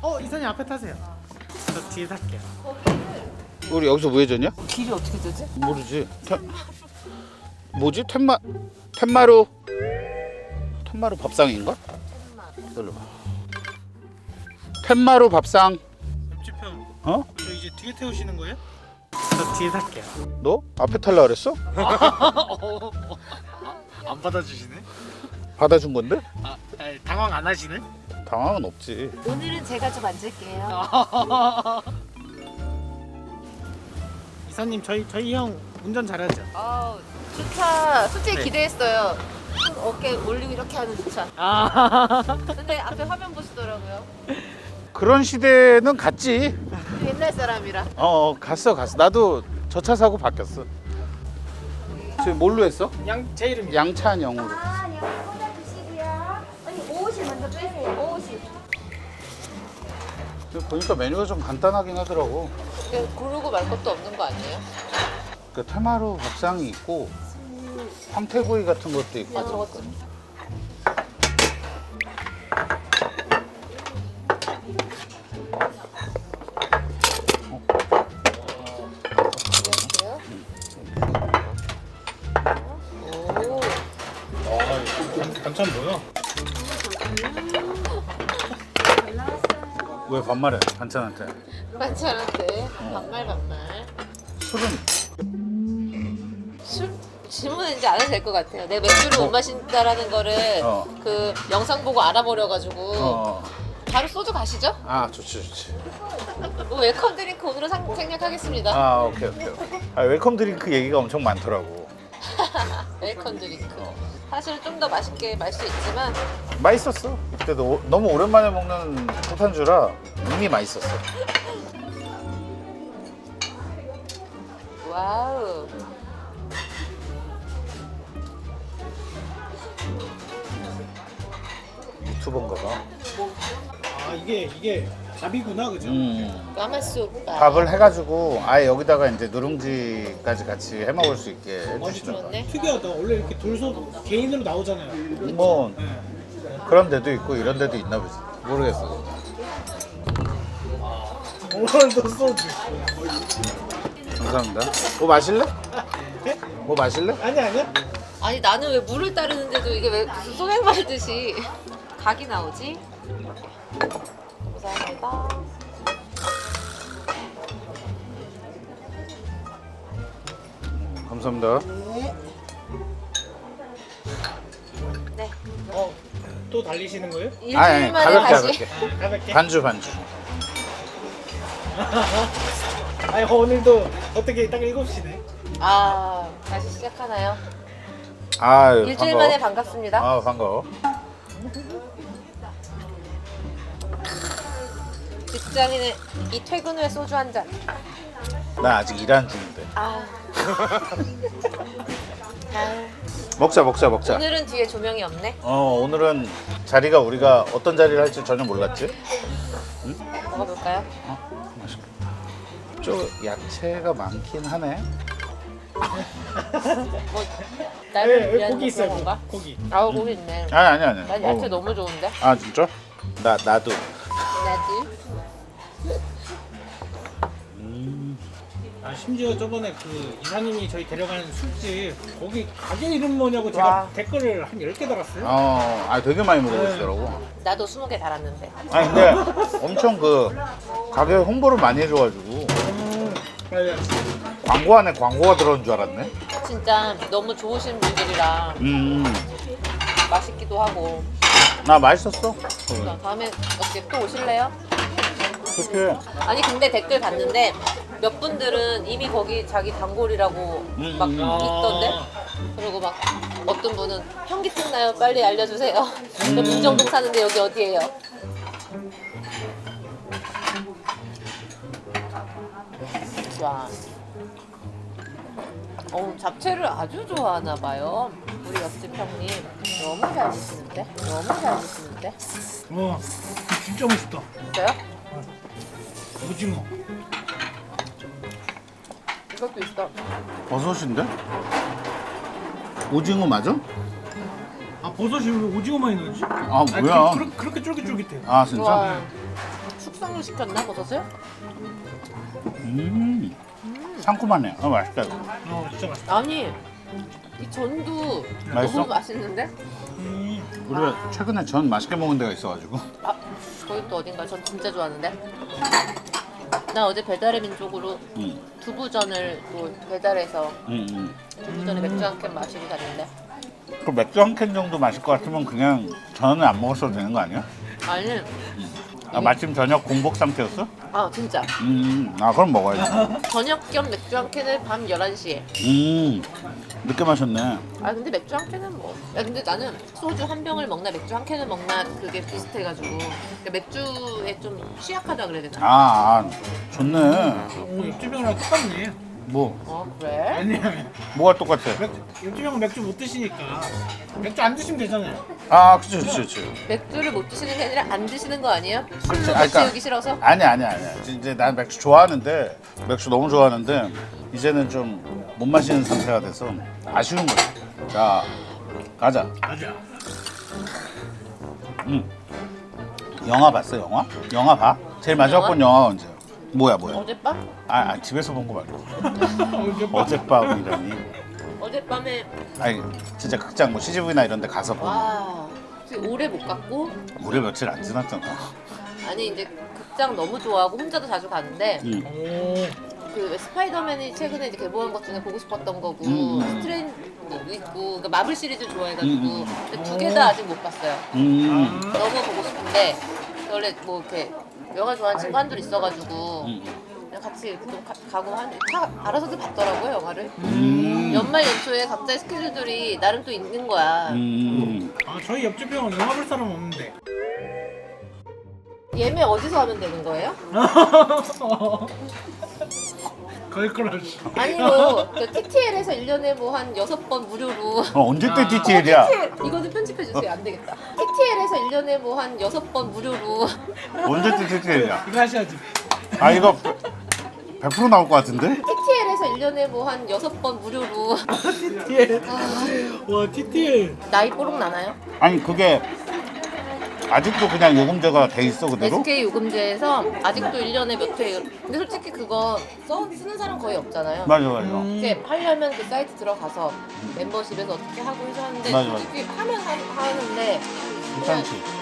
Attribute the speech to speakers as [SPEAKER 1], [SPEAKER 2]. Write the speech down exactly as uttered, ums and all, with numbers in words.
[SPEAKER 1] 어 이선이 앞에 타세요. 저 뒤에 탈게요.
[SPEAKER 2] 우리 여기서 뭐 해줬냐?
[SPEAKER 3] 길이 어떻게 되지?
[SPEAKER 2] 모르지. 테... 뭐지? 텐마 텐마루 텐마루 밥상인가? 들어봐. 텐마루 밥상.
[SPEAKER 1] 옆집형
[SPEAKER 2] 어?
[SPEAKER 1] 저 이제 뒤에 태우시는 거예요? 저 뒤에 탈게요.
[SPEAKER 2] 너 앞에 탈라 그랬어?
[SPEAKER 1] 안 받아주시네?
[SPEAKER 2] 받아준 건데?
[SPEAKER 1] 아 아니, 당황 안 하시네?
[SPEAKER 2] 당황은 없지.
[SPEAKER 3] 오늘은 제가 좀 앉을게요.
[SPEAKER 1] 이사님 저희 저희 형 운전 잘하죠?
[SPEAKER 3] 아, 주차 솔직히
[SPEAKER 1] 네.
[SPEAKER 3] 기대했어요. 손 어깨 올리고 이렇게 하는 주차.
[SPEAKER 1] 아
[SPEAKER 3] 근데 앞에 화면 보시더라고요.
[SPEAKER 2] 그런 시대는 갔지.
[SPEAKER 3] 옛날 사람이라.
[SPEAKER 2] 어, 어 갔어 갔어. 나도 저 차 사고 바뀌었어. 지금 뭘로 했어?
[SPEAKER 1] 양 제 이름이
[SPEAKER 2] 양찬영으로.
[SPEAKER 4] 아, 여기 꽂아주시고요. 언니 오십 먼저 빼세요. 오십.
[SPEAKER 2] 근데 보니까 메뉴가 좀 간단하긴 하더라고.
[SPEAKER 3] 근데 고르고 말 것도 없는 거 아니에요?
[SPEAKER 2] 그 테마루 밥상이 있고 황태구이 같은 것도 있고.
[SPEAKER 3] 아, 저것도. 오,
[SPEAKER 1] 아 반찬 뭐야?
[SPEAKER 2] 왜 반말해? 반찬한테.
[SPEAKER 3] 반찬한테 반말 반말.
[SPEAKER 2] 술은
[SPEAKER 3] 술 질문은 이제 안 해도 될 것 같아요. 내 맥주를 못 마신다라는 거를
[SPEAKER 2] 어.
[SPEAKER 3] 그 영상 보고 알아버려가지고
[SPEAKER 2] 어.
[SPEAKER 3] 바로 소주 가시죠?
[SPEAKER 2] 아 좋지 좋지.
[SPEAKER 3] 뭐 웰컴 드링크 오늘은 상, 생략하겠습니다.
[SPEAKER 2] 아 오케이 오케이. 오케이. 아, 웰컴 드링크 얘기가 엄청 많더라고.
[SPEAKER 3] 웰컴 드링크. 사실은 좀 더 맛있게 마실 수 있지만
[SPEAKER 2] 맛있었어. 그때도 오- 너무 오랜만에 먹는 포탄주라 이미 맛있었어.
[SPEAKER 3] 와우.
[SPEAKER 2] 유튜버인가 봐.
[SPEAKER 1] 아 이게 이게 밥이구나 그죠?
[SPEAKER 2] 음.
[SPEAKER 3] 까마소빠.
[SPEAKER 2] 밥을 해가지고 아예 여기다가 이제 누룽지까지 같이 해 먹을 수 있게 해주시는 거야.
[SPEAKER 3] 좋네.
[SPEAKER 1] 특이하다. 원래 이렇게 돌소 개인으로 나오잖아요.
[SPEAKER 2] 뭐
[SPEAKER 1] 네.
[SPEAKER 2] 그런 데도 있고 이런 데도 있나 보지. 모르겠어.
[SPEAKER 1] 오늘도 소주.
[SPEAKER 2] 감사합니다. 뭐 마실래?
[SPEAKER 1] 네?
[SPEAKER 2] 뭐 마실래?
[SPEAKER 1] 아니 아니야?
[SPEAKER 3] 아니 나는 왜 물을 따르는데도 이게 왜 무슨 소맥 말듯이 각이 나오지? 감사합니다.
[SPEAKER 2] 감사합니다.
[SPEAKER 3] 네.
[SPEAKER 1] 어, 또 달리시는 거예요?
[SPEAKER 3] 일주일
[SPEAKER 2] 아니, 아니
[SPEAKER 3] 만에
[SPEAKER 2] 가볍게
[SPEAKER 3] 다시.
[SPEAKER 2] 가볍게.
[SPEAKER 1] 아, 가볍게.
[SPEAKER 2] 반주 반주.
[SPEAKER 1] 아니 오늘도 어떻게 딱 일곱 시네.
[SPEAKER 3] 아 다시 시작하나요?
[SPEAKER 2] 아유
[SPEAKER 3] 일주일
[SPEAKER 2] 반가워.
[SPEAKER 3] 만에 반갑습니다.
[SPEAKER 2] 아 반가워.
[SPEAKER 3] 직장인의 이 퇴근 후에 소주 한 잔.
[SPEAKER 2] 나 아직 일하는 중인데.
[SPEAKER 3] 아. 아.
[SPEAKER 2] 먹자 먹자 먹자.
[SPEAKER 3] 오늘은 뒤에 조명이 없네.
[SPEAKER 2] 어 오늘은 자리가 우리가 어떤 자리를 할지 전혀 몰랐지.
[SPEAKER 3] 먹어볼까요?
[SPEAKER 2] 어 맛있겠다. 좀 야채가 많긴 하네.
[SPEAKER 3] 뭐 나를
[SPEAKER 1] 네,
[SPEAKER 3] 위한
[SPEAKER 1] 고기 있어요.
[SPEAKER 3] 건가?
[SPEAKER 1] 고기.
[SPEAKER 3] 아우 고기 있네.
[SPEAKER 2] 아니 아니 아니.
[SPEAKER 3] 난 야채
[SPEAKER 2] 어.
[SPEAKER 3] 너무 좋은데.
[SPEAKER 2] 아 진짜? 나 나도.
[SPEAKER 3] 나도.
[SPEAKER 1] 아 심지어 저번에 그 이사님이 저희 데려가는 술집 거기 가게 이름 뭐냐고 제가
[SPEAKER 3] 와.
[SPEAKER 1] 댓글을 한 열 개 달았어요.
[SPEAKER 2] 어, 아 되게 많이 물어보시더라고.
[SPEAKER 3] 나도 스무 개 달았는데.
[SPEAKER 2] 아니 근데 엄청 그 가게 홍보를 많이 해줘가지고
[SPEAKER 1] 음, 맞아요.
[SPEAKER 2] 광고 안에 광고가 들어온 줄 알았네.
[SPEAKER 3] 진짜 너무 좋으신 분들이라
[SPEAKER 2] 음,
[SPEAKER 3] 맛있기도 하고.
[SPEAKER 2] 나 맛있었어.
[SPEAKER 3] 그러니까 다음에 어떻게 또 오실래요?
[SPEAKER 2] 그렇게.
[SPEAKER 3] 아니 근데 댓글 봤는데 몇 분들은 이미 거기 자기 단골이라고
[SPEAKER 2] 음,
[SPEAKER 3] 막
[SPEAKER 2] 음.
[SPEAKER 3] 있던데. 그리고 막 어떤 분은 현기증 나요 빨리 알려주세요. 저 문정동 사는데 여기 어디예요? 와. 어 잡채를 아주 좋아하나 봐요. 우리 옆집 형님 너무 잘 드시는데? 너무 잘 드시는데?
[SPEAKER 1] 와, 진짜 맛있다.
[SPEAKER 3] 진짜요?
[SPEAKER 1] 오징어.
[SPEAKER 3] 이것도 있어.
[SPEAKER 2] 버섯인데? 오징어 맞아?
[SPEAKER 1] 아 버섯이 왜 오징어 많이 넣지?
[SPEAKER 2] 아
[SPEAKER 1] 아니,
[SPEAKER 2] 뭐야?
[SPEAKER 1] 그, 그, 그렇게 쫄깃쫄깃해요.
[SPEAKER 2] 아 진짜?
[SPEAKER 3] 와. 숙성을 시켰나 버섯을?
[SPEAKER 2] 음, 상큼하네. 어, 맛있다. 이거.
[SPEAKER 1] 어 진짜 맛있다.
[SPEAKER 3] 아니 이 전도
[SPEAKER 2] 맛있어?
[SPEAKER 3] 너무 맛있는데?
[SPEAKER 1] 음.
[SPEAKER 2] 우리가 최근에 전 맛있게 먹은 데가 있어가지고.
[SPEAKER 3] 아 거기 또 어딘가 전 진짜 좋아하는데. 나 어제 배달의 민족으로
[SPEAKER 2] 음,
[SPEAKER 3] 두부전을 또 배달해서
[SPEAKER 2] 음, 음.
[SPEAKER 3] 두부전에 맥주 한 캔 마시고 갔는데.
[SPEAKER 2] 그 맥주 한 캔 정도 마실 것 같으면 그냥 전은 안 먹었어도 되는 거 아니야?
[SPEAKER 3] 아니
[SPEAKER 2] 아, 마침 저녁 공복 상태였어?
[SPEAKER 3] 아 진짜
[SPEAKER 2] 음, 아 그럼 먹어야지.
[SPEAKER 3] 저녁 겸 맥주 한 캔을 밤 열한 시에.
[SPEAKER 2] 음, 늦게 마셨네.
[SPEAKER 3] 아 근데 맥주 한 캔은 뭐. 야 근데 나는 소주 한 병을 먹나 맥주 한 캔을 먹나 그게 비슷해가지고 그러니까 맥주에 좀 취약하다 그래야 되나?
[SPEAKER 2] 아, 아 좋네.
[SPEAKER 1] 오 옆집 형이랑 똑같네.
[SPEAKER 2] 뭐
[SPEAKER 3] 어 그래?
[SPEAKER 1] 아니
[SPEAKER 2] 뭐가 똑같아?
[SPEAKER 1] 맥주, 옆집 형은 맥주 못 드시니까 맥주 안 드시면 되잖아요.
[SPEAKER 2] 아, 그치, 그치, 그치.
[SPEAKER 3] 맥주를 못 드시는 게 아니라 안 드시는 거 아니에요? 술로
[SPEAKER 2] 그치,
[SPEAKER 3] 못
[SPEAKER 2] 아, 그러니까-
[SPEAKER 3] 채우기 싫어서?
[SPEAKER 2] 아니, 아니, 아니. 이제 난 맥주 좋아하는데 맥주 너무 좋아하는데 이제는 좀 못 마시는 상태가 돼서 아쉬운 거지. 자, 가자.
[SPEAKER 1] 맞아.
[SPEAKER 2] 음. 영화 봤어, 영화? 영화 봐? 제일 마지막
[SPEAKER 3] 영화?
[SPEAKER 2] 본 영화 언제? 뭐야, 뭐야?
[SPEAKER 3] 어젯밤?
[SPEAKER 2] 아, 아 집에서 본 거 말고.
[SPEAKER 1] 어젯밤.
[SPEAKER 2] 어젯밤이라니.
[SPEAKER 3] 어젯밤에
[SPEAKER 2] 아니, 진짜 극장 뭐 씨지비나 이런 데 가서 본.
[SPEAKER 3] 와 지금 오래 못 갔고
[SPEAKER 2] 우리 며칠 안 지났잖아.
[SPEAKER 3] 아니 이제 극장 너무 좋아하고 혼자도 자주 가는데
[SPEAKER 2] 음.
[SPEAKER 1] 오.
[SPEAKER 3] 그 스파이더맨이 최근에 이제 개봉한 것 중에 보고 싶었던 거고
[SPEAKER 2] 음.
[SPEAKER 3] 스트레인도 있고 그러니까 마블 시리즈 좋아해가지고
[SPEAKER 2] 음.
[SPEAKER 3] 두 개 다 아직 못 봤어요.
[SPEAKER 2] 음.
[SPEAKER 3] 너무 보고 싶은데 원래 뭐 이렇게 영화 좋아하는 친구 한둘 있어가지고
[SPEAKER 2] 음.
[SPEAKER 3] 그냥 같이 이렇게 좀 가, 가고 한 다 알아서들 봤더라고요 영화를.
[SPEAKER 2] 음.
[SPEAKER 3] 연말 연초에 각자의 스케줄들이 나름 또 있는 거야.
[SPEAKER 2] 음.
[SPEAKER 1] 아 저희 옆집 형은 영화 볼 사람 없는데.
[SPEAKER 3] 예매 어디서 하면 되는 거예요?
[SPEAKER 1] 걸크러쉬.
[SPEAKER 3] 아니 뭐 티티엘에서 일 년에 뭐 한 여섯 번 무료로
[SPEAKER 2] 어, 언제 때 디테일이야?
[SPEAKER 3] 티티엘 이거는 편집해 주세요. 안 되겠다. 티티엘에서 일 년에 뭐 한 여섯 번 무료로
[SPEAKER 2] 언제 때 디테일이야?
[SPEAKER 1] 이거 하셔야지.
[SPEAKER 2] 아, 이거 백 퍼센트 나올 것 같은데?
[SPEAKER 3] 티티엘에서 일 년에 뭐 한 여섯 번 무료로
[SPEAKER 1] 티티엘. 와 티티엘.
[SPEAKER 3] 나이 뽀록 나나요?
[SPEAKER 2] 아니, 그게 아직도 그냥 요금제가 돼 있어, 그대로?
[SPEAKER 3] 에스케이 요금제에서 아직도 일 년에 몇 회. 근데 솔직히 그거 써, 쓰는 사람 거의 없잖아요.
[SPEAKER 2] 맞아, 맞아.
[SPEAKER 3] 이렇게 하려면 그 사이트 들어가서 멤버십에서 어떻게 하고 해서 하는데
[SPEAKER 2] 맞아, 맞아.
[SPEAKER 3] 솔직히 하면 하, 하는데
[SPEAKER 2] 괜찮지.